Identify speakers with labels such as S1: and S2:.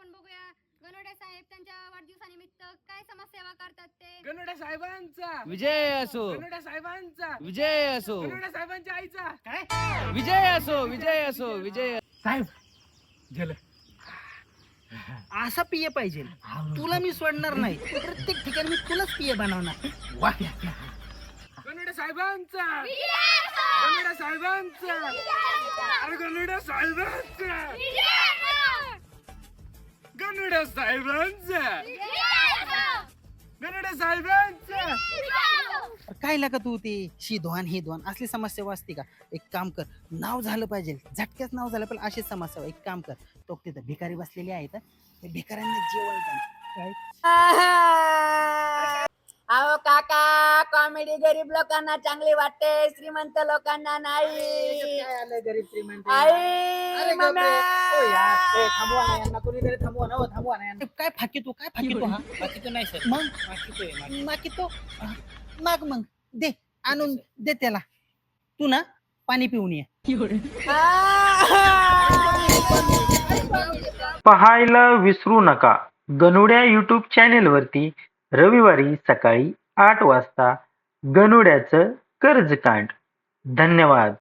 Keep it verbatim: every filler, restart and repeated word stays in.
S1: आपण बघूया गणोडे साहेब त्यांच्या वाढदिवसानिमित्त काय समाजसेवा करतात ते.
S2: गणोड्या साहेबांचा
S3: विजय असो,
S2: गणोड्या साहेबांचा
S3: विजय असो,
S2: गणोड्या साहेबांच्या आईचा
S4: काय
S3: विजय असो, विजय असो, विजय.
S2: साहेब गेलं.
S4: असा पिये पाहिजे. तुला मी सोडणार नाही. प्रत्येक ठिकाणी मी तुलाच पिये बनवणार.
S2: वा गणोड्या साहेबांचा गणोड्या साहेबांचा अरे गणोड्या साहेबांचा गणोड्या साहेबांचा गणोड्या साहेबांचा.
S4: काय लागा तू ते शिधवान हे धवान असली समस्या असते का? एक काम कर, नाव झालं पाहिजे, झटक्याच नाव झालं पण अशीच समस्या. एक काम कर, तो तिथं भिकारी बसलेले आहेत, ते भिकाऱ्यांना जेवण द्या.
S5: अहो काका, कॉमेडी गरीब लोकांना चांगली वाटते, श्रीमंत लोकांना नाही.
S4: काय आलं गरीब श्रीमंत?
S5: आई
S4: अरे
S5: मम्मी.
S4: गप्रे. ओ यार, ए, थांबवा ना यांना, कोणीतरी थांबवा ना, हो, थांबवा ना यांना. काय फाकी तू काय फाकी तू? हा
S3: बाकी तो नाही सर,
S4: मग
S3: बाकी तो आहे.
S4: माकी तो माग मग दे आणून दे त्याला. तू ना पाणी पिऊन ये.
S6: पाहायला विसरू नका गणुड्या यूट्यूब चॅनेलवरती रविवारी सकाळी आठ वाजता गणुड्याचं कर्जकांड. धन्यवाद.